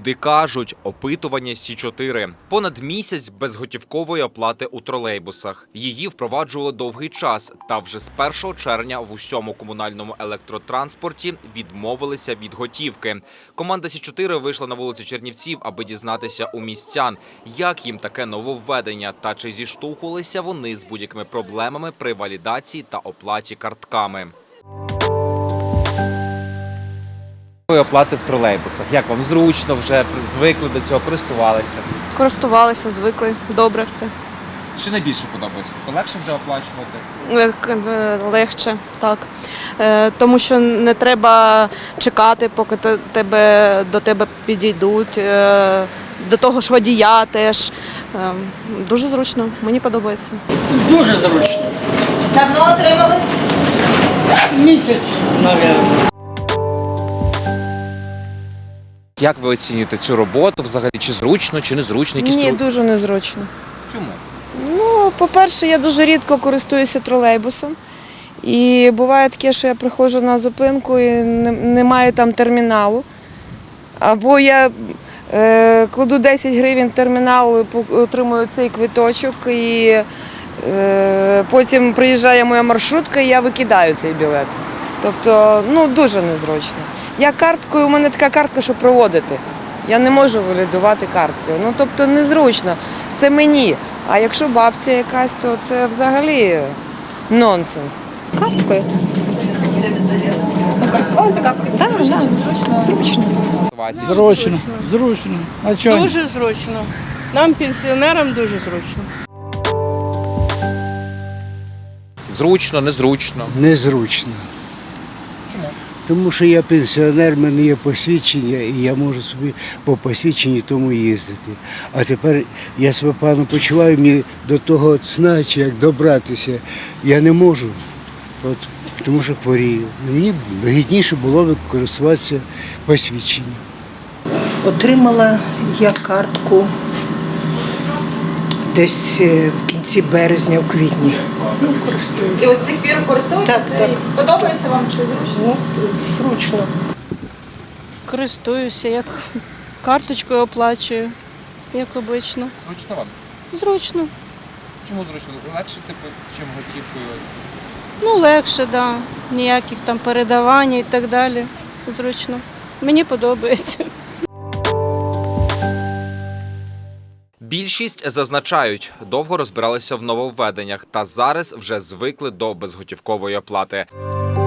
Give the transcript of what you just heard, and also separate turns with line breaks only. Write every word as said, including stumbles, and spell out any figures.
Люди кажуть, опитування Сі чотири. Понад місяць безготівкової оплати у тролейбусах. Її впроваджували довгий час, та вже з першого червня в усьому комунальному електротранспорті відмовилися від готівки. Команда Сі чотири вийшла на вулиці Чернівців, аби дізнатися у містян, як їм таке нововведення та чи зіштовхувалися вони з будь-якими проблемами при валідації та оплаті картками.
Оплати в тролейбусах. Як вам зручно, вже звикли до цього, користувалися?
Користувалися, звикли, добре все.
Що найбільше подобається? Тобто легше вже оплачувати?
Лег- е, Легше, так. Е, Тому що не треба чекати, поки те- тебе, до тебе підійдуть. Е, До того ж водія теж. Е, Дуже зручно, мені подобається.
Це дуже зручно.
Давно отримали?
Місяць, мабуть.
Як ви оцінюєте цю роботу взагалі? Чи зручно, чи незручно? Якісь
Ні,
тру-
дуже незручно.
Чому?
Ну, по-перше, я дуже рідко користуюся тролейбусом. І буває таке, що я приходжу на зупинку і не- немає там терміналу. Або я е, кладу десять гривень в термінал, по- отримую цей квиточок, і е, потім приїжджає моя маршрутка, і я викидаю цей білет. Тобто, ну, дуже незручно. Я карткою, у мене така картка, що проводити. Я не можу валідувати карткою. Ну, тобто, незручно. Це мені. А якщо бабця якась, то це взагалі нонсенс.
Карткою. Користувалися карткою? Так, так, зручно.
Зручно, зручно. А чого?
Дуже зручно. Нам, пенсіонерам, дуже зручно.
Зручно, незручно.
Незручно.
Чому?
Тому що я пенсіонер, в мене є посвідчення, і я можу собі по посвідченню тому їздити. А тепер я себе погано почуваю, мені до того сна, чи як добратися, я не можу, от, тому що хворію. Мені вигідніше було б користуватися посвідченням.
Отримала я картку десь в кінці березня, в квітні. Ну, користуюся.
І ось з тих пір користуєтеся?
Так, так.
Подобається вам чи зручно?
Ну, зручно.
Користуюся, як карточкою оплачую, як обично.
Зручно вам?
Зручно.
Чому зручно? Легше, типу, чим готівкою ось?
Ну, легше, так. Да. Ніяких там передавань і так далі. Зручно. Мені подобається.
Більшість зазначають, довго розбиралися в нововведеннях та зараз вже звикли до безготівкової оплати.